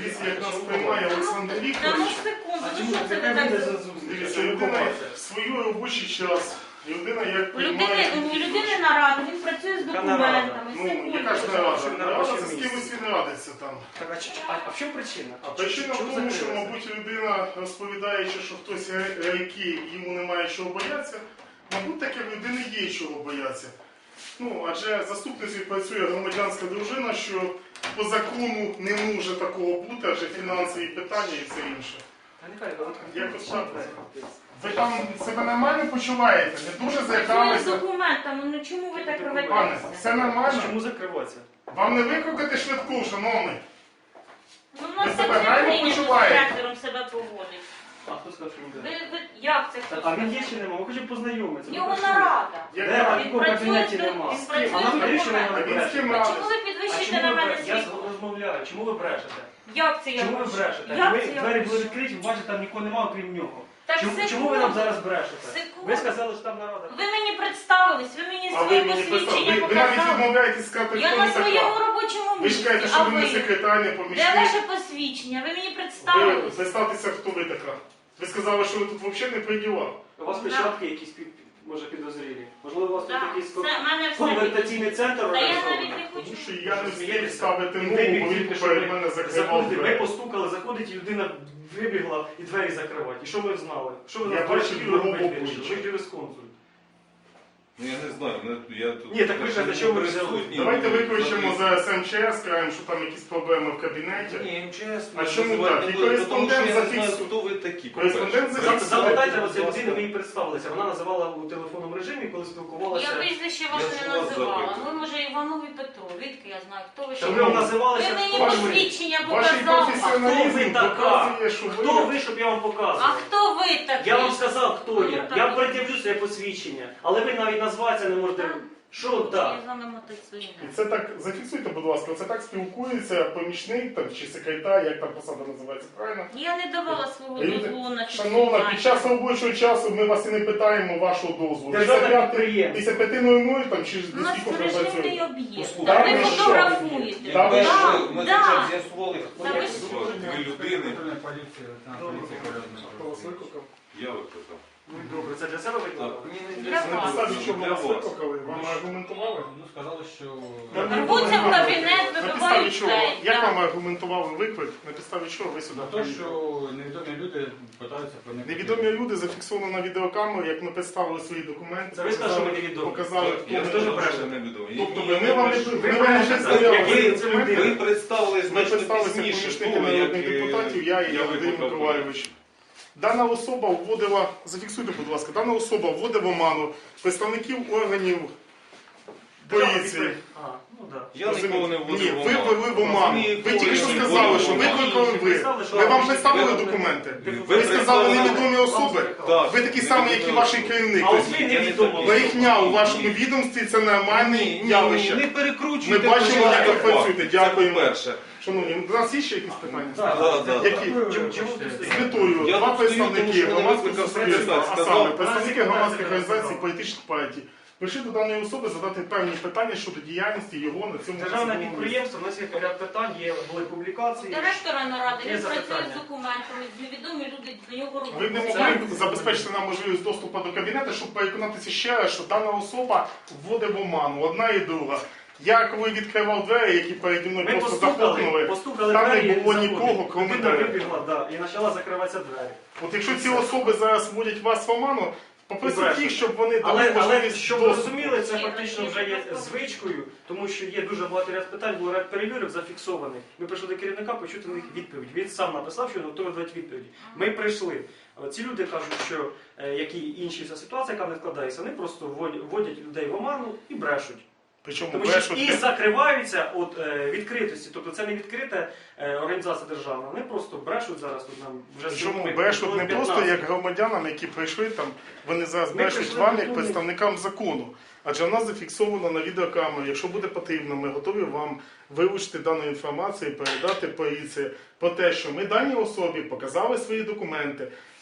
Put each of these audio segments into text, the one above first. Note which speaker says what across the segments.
Speaker 1: дивіться, як нас приймає Олександр
Speaker 2: Та ну
Speaker 1: Вікторович.
Speaker 2: секунду, ну що це ви так?
Speaker 1: Дивіться, людина в свій робочий час. Людина як
Speaker 2: У
Speaker 1: приймає...
Speaker 2: людини нарада, він працює з документами.
Speaker 1: Ну, яка ж нарада? Нарада з кимось він радиться там.
Speaker 3: Так, а в чому причина?
Speaker 1: А причина в тому, що, мабуть, людина, розповідаючи, що хтось райки, йому немає чого боятися, мабуть, таке в людини є чого боятися. Ну, адже заступницею працює громадянська дружина, що по закону не може такого бути, адже фінансові питання і все інше. Якось так. Ви там себе нормально почуваєте? Не дуже
Speaker 2: Працює з
Speaker 1: заякалися?
Speaker 2: документами, ну чому ви так
Speaker 1: Пане,
Speaker 2: рветеся?
Speaker 1: все нормально?
Speaker 3: Чому закриватися?
Speaker 1: Вам не викликати швидку, шановний?
Speaker 2: Ну, у нас
Speaker 1: Ви
Speaker 2: так
Speaker 1: себе реально
Speaker 2: прийнято з
Speaker 1: почуваєте?
Speaker 2: директором себе поводить.
Speaker 3: А хто сказав, що він буде?
Speaker 2: Як це хтось?
Speaker 3: А він є чи нема? Ми хочемо познайомитися.
Speaker 2: В нього нарада.
Speaker 3: Де
Speaker 1: Яка?
Speaker 3: такого в кабінеті нема?
Speaker 2: Він працює
Speaker 3: А нам
Speaker 2: з
Speaker 3: навіщо ви
Speaker 2: документами.
Speaker 3: мене
Speaker 1: Він з ким
Speaker 3: брешете?
Speaker 2: Чому ви
Speaker 3: А
Speaker 2: підвищуєте
Speaker 3: чому
Speaker 2: на
Speaker 3: ви
Speaker 2: мене
Speaker 3: брешете? Я
Speaker 2: свій?
Speaker 3: розмовляю. Чому ви брешете?
Speaker 2: Як це я
Speaker 3: Чому ви
Speaker 2: можу?
Speaker 3: брешете?
Speaker 2: Як
Speaker 3: Ви
Speaker 2: це я
Speaker 3: двері
Speaker 2: можу?
Speaker 3: були відкриті, бачите, там нікого немає, окрім нього.
Speaker 2: Так,
Speaker 3: Чому ви нам
Speaker 2: секунду.
Speaker 3: зараз брешете?
Speaker 2: Секунду.
Speaker 3: Ви сказали, що там нарада.
Speaker 2: Ви мені представились, ви мені
Speaker 1: А ви
Speaker 2: своє
Speaker 1: мені
Speaker 2: посвідчення
Speaker 1: ви навіть
Speaker 2: показали.
Speaker 1: відмовляєтесь сказати,
Speaker 2: Я
Speaker 1: хто
Speaker 2: на
Speaker 1: ви
Speaker 2: своєму
Speaker 1: така.
Speaker 2: робочому
Speaker 1: Ви ж
Speaker 2: місці,
Speaker 1: кажете,
Speaker 2: а
Speaker 1: що ви не
Speaker 2: ви?
Speaker 1: секретар, не
Speaker 2: Де
Speaker 1: помічник.
Speaker 2: ваше посвідчення? Ви мені
Speaker 1: Ви
Speaker 2: представились.
Speaker 1: представтеся, хто ви така. Ви сказали, що ви тут взагалі не при ділах.
Speaker 3: У вас печатки якісь, може, підозрілі? Можливо, у вас тут
Speaker 2: Так,
Speaker 3: якийсь
Speaker 2: це в мене все.
Speaker 3: конвертаційний центр
Speaker 2: Та я навіть
Speaker 3: організований?
Speaker 2: не хочу.
Speaker 1: Тому що я не встиг
Speaker 3: Смієтеся?
Speaker 1: ставити
Speaker 3: Він
Speaker 1: ногу,
Speaker 3: вибіг
Speaker 1: бо він
Speaker 3: тільки, що
Speaker 1: перед
Speaker 3: ви
Speaker 1: мене закривав
Speaker 3: заходите, ми
Speaker 1: двері.
Speaker 3: постукали, заходить, і людина вибігла і двері закривати. І що ми знали? Що ви
Speaker 1: Я
Speaker 3: нас
Speaker 1: бачив
Speaker 3: бачили,
Speaker 1: його
Speaker 3: робити
Speaker 1: обличчя.
Speaker 3: вирішили? Ви юрисконсульт.
Speaker 4: Ну я не знаю, я тут...
Speaker 3: Ні, так ви кажете, що ви взяли?
Speaker 4: присутній.
Speaker 1: Давайте
Speaker 4: Ну,
Speaker 1: виключимо за СМЧС, скажемо, що там якісь проблеми в кабінеті.
Speaker 4: Ні, МЧС.
Speaker 1: А чому
Speaker 4: називати
Speaker 1: так? І
Speaker 4: не буду,
Speaker 1: кореспондент
Speaker 4: тому що я не знаю,
Speaker 1: зафіксує.
Speaker 4: хто ви такі.
Speaker 1: Кореспондент
Speaker 4: по-перше.
Speaker 1: зафіксує.
Speaker 3: Запитайте вас, ця людина, ми їй представилися. Вона називала у телефонному режимі, коли спілкувалася.
Speaker 2: Я прізвище
Speaker 4: Я
Speaker 2: ваше
Speaker 4: ж
Speaker 2: не
Speaker 4: вас
Speaker 2: називала.
Speaker 4: запитую.
Speaker 2: Ви, може, Іванові Петро. Відки я знаю, хто ви
Speaker 3: Та
Speaker 2: що?
Speaker 3: ви вам називалися.
Speaker 2: Ви мені
Speaker 3: хто ви?
Speaker 2: посвідчення
Speaker 1: Ваш
Speaker 2: показали.
Speaker 1: професіоналізм
Speaker 3: ви така?
Speaker 1: показує, що
Speaker 3: Хто ви, щоб я вам
Speaker 2: А
Speaker 3: показував?
Speaker 2: хто ви такий?
Speaker 3: Я вам сказав, хто
Speaker 2: Ну,
Speaker 3: я.
Speaker 2: так.
Speaker 3: Я пред'явлю своє посвідчення. Але ви навіть назватися не можете.
Speaker 2: Так.
Speaker 3: Що
Speaker 2: Я
Speaker 3: так?
Speaker 2: з вами мотоцикл.
Speaker 1: І це так, зафіксуйте, будь ласка, це так спілкується помічник там, чи секретар, як там посада називається, правильно?
Speaker 2: Я не давала свого
Speaker 1: Люди,
Speaker 2: дозволу на
Speaker 1: Шановна,
Speaker 2: фіксування.
Speaker 1: під час робочого часу ми вас і не питаємо вашого дозволу.
Speaker 3: Державне
Speaker 1: Після
Speaker 3: підприємство.
Speaker 1: Після 5:00 там чи
Speaker 2: У нас
Speaker 1: скільки ви
Speaker 2: режимний
Speaker 1: працюєте?
Speaker 2: об'єкт.
Speaker 4: Ну,
Speaker 2: Так
Speaker 1: ви
Speaker 2: ви
Speaker 1: що?
Speaker 2: фотографуєте.
Speaker 4: Якби
Speaker 1: ви
Speaker 4: ж
Speaker 2: Да,
Speaker 4: ми
Speaker 2: да.
Speaker 4: хоча б з'ясували, хто
Speaker 2: Та
Speaker 4: ви
Speaker 2: ви
Speaker 4: ви людини,
Speaker 1: Хто вас викликав?
Speaker 4: я викликав.
Speaker 3: Ну добре, це для себе
Speaker 4: Так,
Speaker 3: викликали?
Speaker 4: ні, не
Speaker 2: Для
Speaker 4: для
Speaker 2: вас.
Speaker 1: На
Speaker 4: себе,
Speaker 1: підставі чого
Speaker 4: для
Speaker 1: вас
Speaker 4: вас.
Speaker 1: викликали? Вам аргументували?
Speaker 5: Ну, сказали, що...
Speaker 2: Рвуться в кабінет,
Speaker 1: На підставі
Speaker 2: вибивають
Speaker 1: чого?
Speaker 2: двері.
Speaker 1: Як
Speaker 2: Так.
Speaker 1: вам аргументували виклик? На підставі чого ви сюди
Speaker 5: На те,
Speaker 1: приїхали?
Speaker 5: що невідомі люди питаються проникнути.
Speaker 1: Невідомі люди зафіксовано на відеокамеру, як ми представили свої документи.
Speaker 3: Це ви сказали, що ми невідомі.
Speaker 1: Показали,
Speaker 4: Я
Speaker 1: хто
Speaker 3: теж
Speaker 1: ми.
Speaker 4: сказав, що
Speaker 3: брешете.
Speaker 4: невідомий.
Speaker 1: Тобто
Speaker 4: Ні,
Speaker 1: ви
Speaker 4: ні,
Speaker 1: ми вам
Speaker 4: ви
Speaker 1: не
Speaker 4: що?
Speaker 1: ми вам не представляли
Speaker 3: Які
Speaker 1: свої
Speaker 3: це
Speaker 1: документи.
Speaker 3: людина?
Speaker 4: Ви представили
Speaker 1: Ми
Speaker 4: значно
Speaker 1: представилися
Speaker 4: пізніше
Speaker 1: помічники
Speaker 4: того,
Speaker 1: народних
Speaker 4: як
Speaker 1: депутатів, я і Андрій
Speaker 4: викликав.
Speaker 1: Миколайович. Дана особа вводила, зафіксуйте, будь ласка, дана особа вводила в оману представників органів поліції.
Speaker 3: А, ну так.
Speaker 4: Я нікого не
Speaker 1: Ні,
Speaker 4: вводив в
Speaker 1: ви
Speaker 4: оману.
Speaker 1: ввели в оману.
Speaker 4: Розумію,
Speaker 1: Ви тільки що
Speaker 4: коли
Speaker 1: сказали,
Speaker 4: ви
Speaker 1: що
Speaker 4: вводили в оману.
Speaker 1: викликали ви. Ми вам представили документи. Ви сказали невідомі особи.
Speaker 4: Так.
Speaker 1: Ви такі самі, як і ваш керівник.
Speaker 3: А от
Speaker 1: Тобто
Speaker 3: ви невідомо.
Speaker 1: брехня у вашому відомстві це нормальне явище.
Speaker 4: Не
Speaker 1: Ми
Speaker 4: перекручуйте.
Speaker 1: бачимо, як ви працюєте. Дякуємо.
Speaker 4: Перше.
Speaker 1: Шановні, у нас є ще якісь питання?
Speaker 3: Так.
Speaker 1: Які?
Speaker 3: Чому ти
Speaker 1: З
Speaker 3: стоїш?
Speaker 1: метою
Speaker 4: Я
Speaker 1: два
Speaker 4: тут стою,
Speaker 1: представники
Speaker 4: тому що мене
Speaker 1: громадського
Speaker 4: викликав
Speaker 1: суспільства,
Speaker 4: секретар,
Speaker 1: а
Speaker 4: сказав,
Speaker 1: саме представники громадських
Speaker 3: секретар
Speaker 1: організацій,
Speaker 3: сказав.
Speaker 1: політичних партій, прийшли до даної особи задати певні питання щодо діяльності його на цьому
Speaker 3: Державне
Speaker 1: посадовому місці.
Speaker 3: підприємство, у нас є ряд питань, були публікації.
Speaker 2: Директора наради,
Speaker 3: Є
Speaker 2: він працює
Speaker 3: запитання.
Speaker 2: з документами, невідомі люди до нього
Speaker 1: Ви не
Speaker 2: роблять.
Speaker 1: могли забезпечити нам можливість доступу до кабінету, щоб переконатися ще раз, що дана особа вводить в оману, одна і друга. Я коли відкривав двері, які переді мною
Speaker 3: Ми
Speaker 1: просто захлопнули,
Speaker 3: постукали
Speaker 1: там
Speaker 3: двері,
Speaker 1: не було
Speaker 3: заходить.
Speaker 1: нікого, крім
Speaker 3: Людина
Speaker 1: тебе.
Speaker 3: вибігла, да, і почала закриватися двері.
Speaker 1: От якщо ці особи зараз вводять вас в оману, попросіть їх, щоб вони дали
Speaker 3: Але
Speaker 1: можливість
Speaker 3: щоб ви
Speaker 1: доступу.
Speaker 3: розуміли, це фактично вже є звичкою, тому що є дуже багато ряд питань, було ряд перевірок зафіксованих. Ми прийшли до керівника почути на них відповідь. Він сам написав, що він готовий дати відповіді. Ми прийшли. Ці люди кажуть, що як і інші ця ситуація, яка не складається, вони просто вводять людей в оману і брешуть.
Speaker 1: Причому
Speaker 3: Тому що
Speaker 1: брешуть.
Speaker 3: і закриваються від відкритості, тобто це не відкрита організація державна, вони просто брешуть зараз тут нам вже
Speaker 1: Причому
Speaker 3: сьогодні
Speaker 1: брешуть не
Speaker 3: 15.
Speaker 1: просто як громадянам, які прийшли там, вони зараз
Speaker 3: Ми
Speaker 1: брешуть
Speaker 3: прийшли
Speaker 1: вам
Speaker 3: до
Speaker 1: як
Speaker 3: того.
Speaker 1: представникам закону. Адже в нас зафіксовано на відеокамері. Якщо буде потрібно, ми готові вам вилучити дану інформацію і передати поліції про те, що ми даній особі показали свої документи,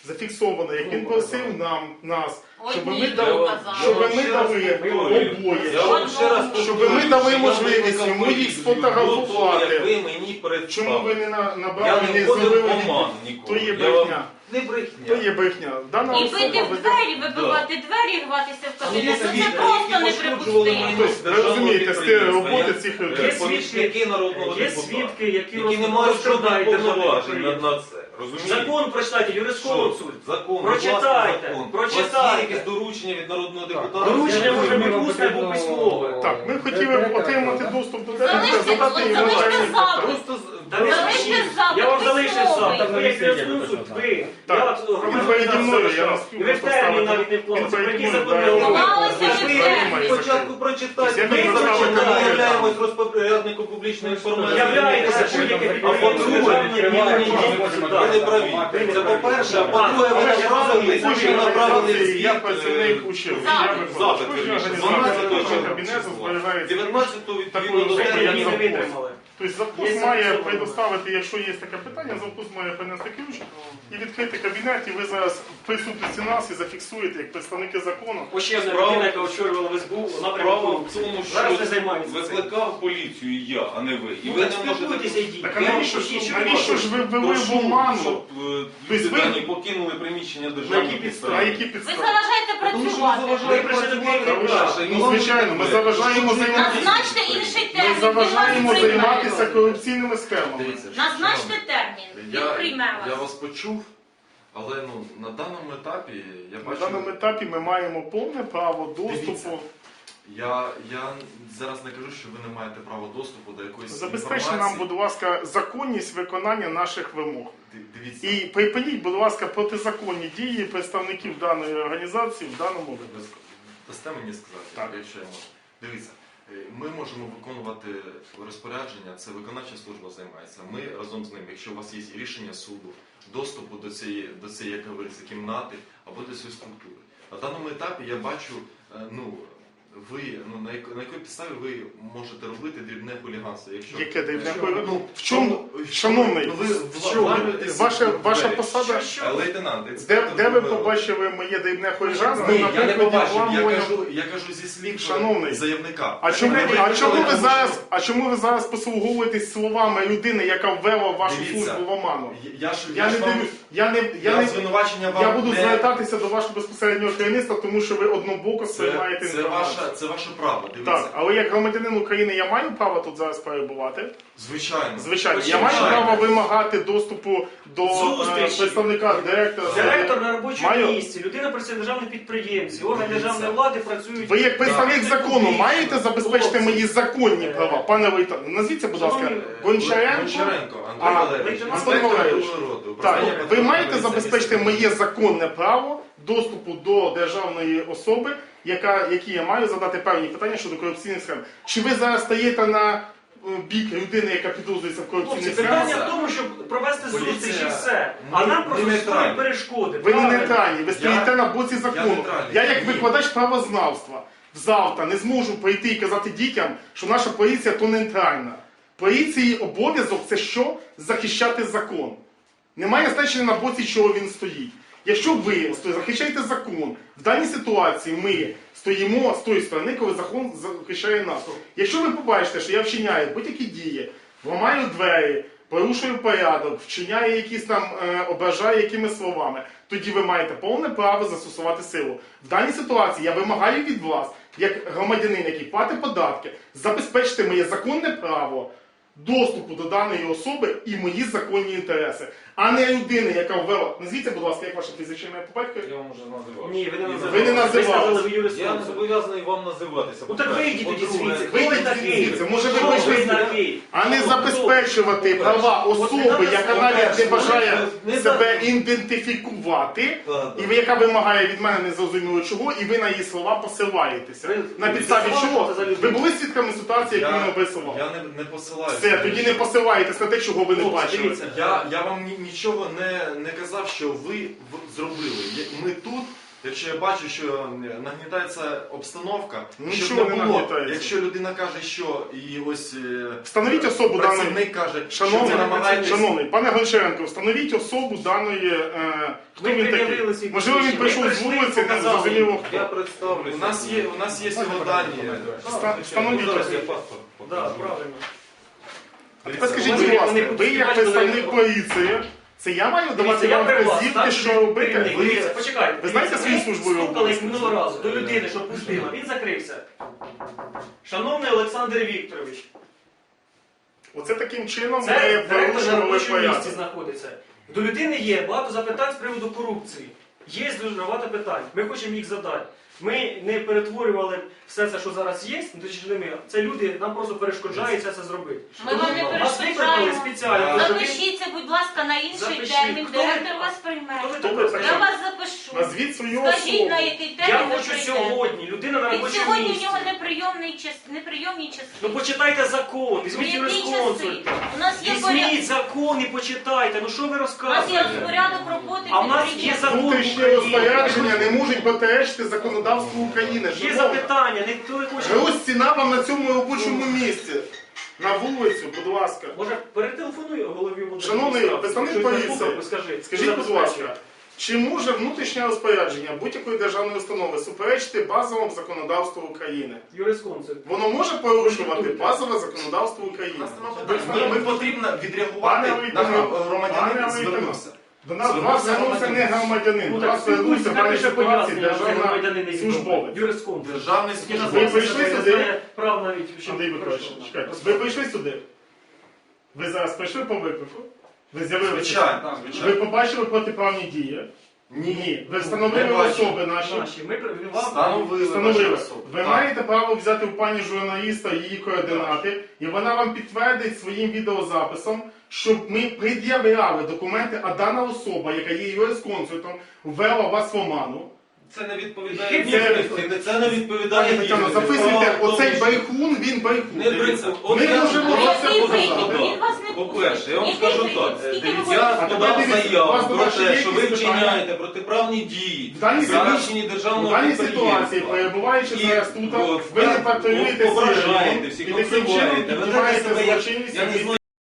Speaker 1: зафіксовано, як він просив нас,
Speaker 2: Ой,
Speaker 1: щоб
Speaker 2: ні,
Speaker 1: ми
Speaker 2: не
Speaker 1: дали,
Speaker 2: казав.
Speaker 1: щоб ми
Speaker 4: Я
Speaker 1: дали
Speaker 4: вам
Speaker 1: обоє.
Speaker 4: Я вам ще раз
Speaker 1: Щоб
Speaker 4: повторюю,
Speaker 1: ми дали
Speaker 4: що я
Speaker 1: можливість
Speaker 4: викликав
Speaker 1: йому їх
Speaker 4: поліцію
Speaker 1: сфотографувати.
Speaker 4: до того, як ви мені
Speaker 1: Чому ви не
Speaker 4: Я
Speaker 1: набрали,
Speaker 4: не
Speaker 1: не
Speaker 4: входив
Speaker 1: зробили
Speaker 4: в оман
Speaker 1: відповідь?
Speaker 4: ніколи.
Speaker 1: То є
Speaker 4: Я вам-
Speaker 1: брехня.
Speaker 4: Не
Speaker 1: То
Speaker 4: брехня.
Speaker 1: є брехня. Дана
Speaker 2: І
Speaker 1: особа
Speaker 2: бити в
Speaker 1: веде...
Speaker 2: двері, вибивати двері, рватися в кабінет, ну це просто неприпустимо.
Speaker 1: Тобто, ви розумієте, стиль роботи цих людей.
Speaker 3: Є
Speaker 4: Помічники народного
Speaker 3: Є
Speaker 4: депутата,
Speaker 3: свідки, які
Speaker 4: які не мають жодних
Speaker 3: розкрадають державне
Speaker 4: повноважень
Speaker 3: підприємство.
Speaker 4: на це. Розумієте?
Speaker 3: Закон прочитайте, юрисконсульт.
Speaker 4: Закон,
Speaker 3: Прочитайте,
Speaker 4: будь ласка, закон.
Speaker 3: прочитайте.
Speaker 4: У вас є якесь доручення від народного депутата?
Speaker 3: Доручення може бути
Speaker 5: Вам
Speaker 3: усне або
Speaker 5: потрібно-
Speaker 3: письмове.
Speaker 1: Так, ми хотіли отримати доступ до директора,
Speaker 2: Залиште,
Speaker 1: задати йому
Speaker 2: залиште
Speaker 1: певні
Speaker 2: запит.
Speaker 1: питання.
Speaker 4: Просто
Speaker 3: Та не
Speaker 2: Залиште
Speaker 3: залишіть.
Speaker 2: запит
Speaker 3: Я вам залишив
Speaker 2: письмовий.
Speaker 3: запит. Ви як юрисконсульт, ви.
Speaker 1: Так,
Speaker 3: Я от
Speaker 1: він
Speaker 3: громадянин
Speaker 1: переді мною, я
Speaker 3: залишав.
Speaker 1: на
Speaker 3: І
Speaker 1: спів
Speaker 3: ви в термін навіть не вклалися. Про який закон я говорю?
Speaker 2: Вклалися
Speaker 3: Ви
Speaker 2: в
Speaker 3: ж
Speaker 2: термін.
Speaker 4: спочатку прочитайте,
Speaker 1: Я
Speaker 4: ми
Speaker 1: не
Speaker 4: прочитаємо,
Speaker 1: прочитаю.
Speaker 4: ми являємось розпорядником публічної інформації.
Speaker 3: Являєтеся будь-яке
Speaker 4: А
Speaker 3: підприємство
Speaker 4: по-друге,
Speaker 3: державне рівень
Speaker 4: ви не праві. Це по-перше, а по-друге, ви направили
Speaker 1: Я працівник УЩИЛ. Я викладач.
Speaker 4: запит,
Speaker 1: Кожна
Speaker 4: вірніше,
Speaker 1: організація
Speaker 4: 12
Speaker 1: кожного кабінету зберігається.
Speaker 4: 19-го відповідно
Speaker 1: Такою
Speaker 4: до
Speaker 1: особою,
Speaker 3: Які
Speaker 1: як
Speaker 3: не
Speaker 1: завхоз.
Speaker 3: витримали.
Speaker 1: Тобто завхоз
Speaker 3: Є
Speaker 1: має
Speaker 3: зафіксовано.
Speaker 1: предоставити, якщо є таке питання, завхоз має принести ключ і відкрити кабінет, і ви зараз в присутності нас і зафіксуєте, як представники закону.
Speaker 3: Ось ще одна
Speaker 4: Справа-
Speaker 3: людина, яка очолювала в СБУ, вона
Speaker 4: Справа
Speaker 3: прямо
Speaker 4: в тому,
Speaker 3: зараз не
Speaker 4: що
Speaker 3: займається цим.
Speaker 4: викликав поліцію я, а не ви. І
Speaker 3: Ну,
Speaker 4: ви
Speaker 3: так
Speaker 4: не можете...
Speaker 3: спілкуйтеся, йдіть.
Speaker 1: Так а навіщо ж ви ввели в
Speaker 4: Прошу,
Speaker 1: оману?
Speaker 4: щоб
Speaker 1: Тобто
Speaker 4: люди
Speaker 1: ви-
Speaker 4: дані покинули приміщення
Speaker 3: На
Speaker 4: державної
Speaker 3: які підстави?
Speaker 1: На
Speaker 4: підстави.
Speaker 1: які
Speaker 2: Ви
Speaker 1: підстави?
Speaker 2: заважаєте
Speaker 4: Тому що ви
Speaker 2: працювати.
Speaker 4: заважаєте
Speaker 3: Ви прийшли до
Speaker 4: працювати
Speaker 3: керівника.
Speaker 4: далі.
Speaker 1: Ну, звичайно, ми заважаємо займатися.
Speaker 2: Назначте інший
Speaker 1: Ми
Speaker 2: термін, він
Speaker 1: заважаємо
Speaker 2: вас прийме.
Speaker 1: займатися корупційними схемами.
Speaker 6: Дивіться,
Speaker 2: Назначте термін, він прийме
Speaker 6: я
Speaker 2: вас.
Speaker 6: вас почув, але на даному етапі я
Speaker 1: На
Speaker 6: бачу.
Speaker 1: даному етапі ми маємо повне право
Speaker 6: Дивіться.
Speaker 1: доступу.
Speaker 6: Я зараз не кажу, що ви не маєте права доступу до якоїсь
Speaker 1: Забезпечте нам,
Speaker 6: інформації.
Speaker 1: будь ласка, законність виконання наших вимог.
Speaker 6: Дивіться,
Speaker 1: І припиніть, будь ласка, протизаконні дії представників даної організації в даному випадку.
Speaker 6: дасте мені сказати,
Speaker 1: Так.
Speaker 6: якщо я можу. Дивіться, ми можемо виконувати розпорядження, це виконавча служба займається. Ми разом з ним, якщо у вас є рішення суду, доступу до цієї, як говориться, кімнати або до цієї структури. На даному етапі я бачу, на якій підставі ви можете робити дрібне хуліганство. Якщо
Speaker 1: Яке дрібне
Speaker 6: якщо-
Speaker 1: хуліганство? В чому? Шановний, ваша посада...
Speaker 6: Лейтенант,
Speaker 1: Де ви побачили моє дрібне хуліганство?
Speaker 6: Ні, я не
Speaker 1: Наприклад,
Speaker 6: побачив,
Speaker 1: обламування-
Speaker 6: я кажу зі слів
Speaker 1: Шановний,
Speaker 6: заявника.
Speaker 1: А чому
Speaker 6: Ви
Speaker 1: ви зараз послуговуєтесь словами людини, яка ввела вашу
Speaker 6: Дивіться,
Speaker 1: службу в оману?
Speaker 6: Я
Speaker 1: Я не
Speaker 6: ж вам-
Speaker 1: дивлюсь, я
Speaker 6: звинувачення вам
Speaker 1: я буду
Speaker 6: не...
Speaker 1: звертатися до вашого безпосереднього керівництва, тому що ви однобоко сприймаєте інформацію.
Speaker 6: Це ваше право, дивіться.
Speaker 1: Так, але як громадянин України я маю право тут зараз перебувати?
Speaker 6: Звичайно.
Speaker 1: Звичайно, я маю право вимагати доступу до
Speaker 3: Зустрічі.
Speaker 1: представника директора.
Speaker 3: Директор на робочому
Speaker 1: Маю.
Speaker 3: місці, людина працює в державній підприємстві, органи державної влади працюють.
Speaker 1: Ви як представник
Speaker 3: Так.
Speaker 1: закону маєте забезпечити
Speaker 3: Хлопці.
Speaker 1: мої законні права? Пане Лейтенант, назвіться, будь ласка,
Speaker 3: Шановні,
Speaker 1: Гончаренко?
Speaker 6: Андрій
Speaker 1: А,
Speaker 6: Валерійович,
Speaker 3: Антон
Speaker 6: інспектор
Speaker 1: Валерійович.
Speaker 6: Білгороду.
Speaker 1: Так,
Speaker 6: Управління
Speaker 1: ви маєте
Speaker 6: Патрульної
Speaker 1: забезпечити
Speaker 6: поліції.
Speaker 1: моє законне право доступу до державної особи, які я маю задати певні питання щодо корупційних схем. Чи ви зараз стаєте на бік людини, яка підозрюється в
Speaker 3: Хлопці,
Speaker 1: корупційних
Speaker 3: питання
Speaker 1: схемах?
Speaker 3: в тому, щоб провести
Speaker 6: Поліція-
Speaker 3: зустріч і все. А нам просто
Speaker 6: Ми
Speaker 3: створюють
Speaker 6: нейтральні.
Speaker 3: перешкоди.
Speaker 1: Ви не
Speaker 3: правильно?
Speaker 1: нейтральні, ви стоїте на боці закону.
Speaker 6: нейтральний.
Speaker 1: Я як
Speaker 6: Ні.
Speaker 1: викладач правознавства завтра не зможу прийти і казати дітям, що наша поліція то нейтральна. Поліції обов'язок це що? Захищати закон. Немає значення на боці, чого він стоїть. Якщо ви захищаєте закон, в даній ситуації ми стоїмо з тої сторони, коли закон захищає нас. Якщо ви побачите, що я вчиняю будь-які дії, ламаю двері, порушую порядок, вчиняю якісь там, ображаю якимись словами, тоді ви маєте повне право застосувати силу. В даній ситуації я вимагаю від вас, як громадянин, який платить податки, забезпечити моє законне право доступу до даної особи і мої законні інтереси, а не людини, яка ввела. Назвіться, будь ласка, як ваше прізвище ім'я по батькові?
Speaker 4: Я вам вже називав.
Speaker 3: Ні, ви не називали.
Speaker 1: Ви не називали.
Speaker 3: Ви сказали, ви
Speaker 4: Я не
Speaker 3: юрисконсульт.
Speaker 4: зобов'язаний вам називатися.
Speaker 3: Ну так вийдіть тоді
Speaker 4: По-друге,
Speaker 3: звідси. Хто ви
Speaker 1: Вийдіть
Speaker 3: такий?
Speaker 1: звідси. Може, ви
Speaker 3: Хто
Speaker 1: вийшли
Speaker 3: ви
Speaker 1: з-
Speaker 3: такий?
Speaker 1: А не
Speaker 3: Хто?
Speaker 1: забезпечувати права особи, яка навіть не бажає себе ідентифікувати, і яка вимагає від мене незрозуміло чого, і ви на її слова посилаєтеся. На підставі чого? Ви були свідками ситуації, яку він описував?
Speaker 6: Я не посилаюся.
Speaker 1: Все, тоді не посилаєтесь на те, чого ви не
Speaker 3: Хлопці,
Speaker 1: бачили.
Speaker 3: дивіться.
Speaker 6: Я вам нічого не казав, що ви зробили. Ми тут якщо я бачу, що нагнітається обстановка,
Speaker 1: Нічого
Speaker 6: щоб
Speaker 1: не
Speaker 6: не було,
Speaker 1: нагнітається.
Speaker 6: якщо людина каже, що і ось
Speaker 1: Встановіть особу даної.
Speaker 6: працівник каже, що ви
Speaker 1: Шановний,
Speaker 6: намагаєтесь...
Speaker 1: шановний, пане Гончаренко, встановіть особу даної, хто
Speaker 3: Ми
Speaker 1: він
Speaker 3: пред'явили
Speaker 1: такий.
Speaker 3: свій
Speaker 1: Можливо, він
Speaker 3: посвідчення.
Speaker 1: прийшов з
Speaker 3: Ми
Speaker 1: вулиці, не
Speaker 3: показали.
Speaker 1: зрозуміло
Speaker 4: Я
Speaker 1: хто.
Speaker 4: представлюся.
Speaker 6: У нас є його дані.
Speaker 1: Встановіть
Speaker 4: Зараз я
Speaker 1: особу.
Speaker 4: паспорт
Speaker 3: Так,
Speaker 4: покажу.
Speaker 3: правильно.
Speaker 1: А тепер скажіть,
Speaker 3: Вони-
Speaker 1: будь ласка,
Speaker 3: вони
Speaker 1: ви як
Speaker 3: бачили,
Speaker 1: представник
Speaker 3: вони-
Speaker 1: поліції, це я маю давати
Speaker 3: Дивіться, я
Speaker 1: вам
Speaker 3: при вас,
Speaker 1: вказівки,
Speaker 3: так,
Speaker 1: що робити?
Speaker 3: керівник, дивіться, почекайте.
Speaker 1: Ви знаєте свої службові
Speaker 3: Стукались
Speaker 1: обов'язки?
Speaker 3: минулого разу до людини, що пустила. Він закрився. Шановний Олександр Вікторович,
Speaker 1: Оце таким чином
Speaker 3: це
Speaker 1: ми
Speaker 3: директор на
Speaker 1: порушували
Speaker 3: робочому місці
Speaker 1: порядок.
Speaker 3: знаходиться. До людини є багато запитань з приводу корупції. Є дуже багато питань. Ми хочемо їх задати. Ми не перетворювали все це, що зараз є, ну, точніше не ми. Це люди нам просто перешкоджають це зробити.
Speaker 2: Ми вам не
Speaker 3: Нас викликали
Speaker 2: перешкоджаємо.
Speaker 3: спеціально. тому що він-
Speaker 2: Запишіться, будь ласка, на інший
Speaker 3: Запишіть.
Speaker 2: термін.
Speaker 3: Хто ви
Speaker 2: Директор
Speaker 3: така?
Speaker 2: вас прийме.
Speaker 3: Хто ви
Speaker 1: Хто
Speaker 3: така?
Speaker 1: ви така?
Speaker 2: Я вас запишу.
Speaker 1: Назвіть свою
Speaker 2: Скажіть,
Speaker 1: особу.
Speaker 2: на який
Speaker 3: Я
Speaker 2: термін ви
Speaker 3: хочу
Speaker 2: прийдете.
Speaker 3: сьогодні. Людина на
Speaker 2: Від
Speaker 3: робочому
Speaker 2: сьогодні у
Speaker 3: місці.
Speaker 2: нього неприйомні часи.
Speaker 3: Ну почитайте закон,
Speaker 2: Ну,
Speaker 3: візьміть
Speaker 2: які
Speaker 3: юрисконсульт.
Speaker 2: часи? У нас є
Speaker 3: Візьміть закон і почитайте. Ну що ви
Speaker 2: У нас є
Speaker 3: розказуєте?
Speaker 2: розпорядок роботи
Speaker 3: А в нас є
Speaker 2: підприємства.
Speaker 3: закон
Speaker 1: Внутрішні
Speaker 3: України.
Speaker 1: розпорядження не можуть протиречити законодавству України.
Speaker 3: Є
Speaker 1: Шановна,
Speaker 3: запитання, ніхто не хоче.
Speaker 1: ось ціна вам на цьому робочому місці. На вулицю, будь ласка.
Speaker 3: Може, перетелефонуй голові мудрості.
Speaker 1: Шановний представник поліції, Скажіть, будь ласка, чи може внутрішнє розпорядження будь-якої державної установи суперечити базовому законодавству України?
Speaker 3: Юрисконсульт.
Speaker 1: Воно може порушувати базове законодавство України?
Speaker 6: Ми потрібно відреагувати,
Speaker 1: Пане
Speaker 6: наш
Speaker 1: Войтано,
Speaker 6: громадянин
Speaker 1: пане
Speaker 6: звернувся.
Speaker 1: До нас до вас звернувся не громадянин,
Speaker 3: Ну
Speaker 1: до
Speaker 3: так
Speaker 1: вас звернувся в даній
Speaker 3: спілкуйся,
Speaker 1: ситуації
Speaker 3: пояснення,
Speaker 1: державна
Speaker 3: громадянин
Speaker 1: службовець.
Speaker 3: Юрисконсульт.
Speaker 6: Державний
Speaker 3: Ви
Speaker 6: службовець.
Speaker 1: прийшли сюди?
Speaker 3: Прав навіть.
Speaker 1: Андрій Миколаївич, чекайте, ви прийшли сюди? Ви зараз прийшли по виклику? Ви з'явилися?
Speaker 6: Звичайно,
Speaker 1: Ви
Speaker 6: звичайно.
Speaker 1: побачили протиправні дії? Ні. Ви
Speaker 6: Не
Speaker 1: встановили
Speaker 6: бачу.
Speaker 1: особи наші?
Speaker 3: Наші. Ми вам
Speaker 6: Встановили
Speaker 1: Встановили.
Speaker 6: ваші особи.
Speaker 1: Ви
Speaker 6: Так.
Speaker 1: маєте право взяти у пані журналіста її координати, і вона вам підтвердить своїм відеозаписом, щоб ми пред'являли документи, а дана особа, яка є юрисконсультом, ввела вас в оману.
Speaker 4: Це не відповідає
Speaker 1: Це-
Speaker 4: дійсності. Це не відповідає
Speaker 1: Пані Тетяно,
Speaker 4: дійсності.
Speaker 1: записуйте,
Speaker 4: Справа в тому,
Speaker 1: оцей
Speaker 4: що-
Speaker 1: брехун, він брехун.
Speaker 4: Не бриться. От
Speaker 1: Ми
Speaker 4: я
Speaker 1: можемо
Speaker 4: вам
Speaker 1: вас
Speaker 4: це
Speaker 2: Який
Speaker 4: буду
Speaker 2: вихід?
Speaker 4: задавати.
Speaker 2: Він вас не
Speaker 4: По-перше, я вам
Speaker 2: пустить.
Speaker 4: скажу
Speaker 2: Який
Speaker 4: так.
Speaker 2: вихід? Скільки ви
Speaker 4: Дивіться,
Speaker 2: можете?
Speaker 4: я
Speaker 1: А
Speaker 4: подав
Speaker 1: тепер дивіться, у
Speaker 4: заяву
Speaker 1: вас
Speaker 4: про
Speaker 1: до вас є
Speaker 4: те, що ви
Speaker 1: якісь питання?
Speaker 4: вчиняєте протиправні дії,
Speaker 1: В даній
Speaker 4: захищені
Speaker 1: У
Speaker 4: державного
Speaker 1: даній ситуації,
Speaker 4: підприємства.
Speaker 1: перебуваючи
Speaker 4: І
Speaker 1: зараз тут,
Speaker 4: от,
Speaker 1: ви не патрулюєте
Speaker 4: ображаєте
Speaker 1: сірим,
Speaker 4: всіх,
Speaker 1: і таким чином
Speaker 4: обзиваєте, ведете
Speaker 1: піднімаєте
Speaker 4: себе як,
Speaker 1: злочинність.
Speaker 4: я не знаю,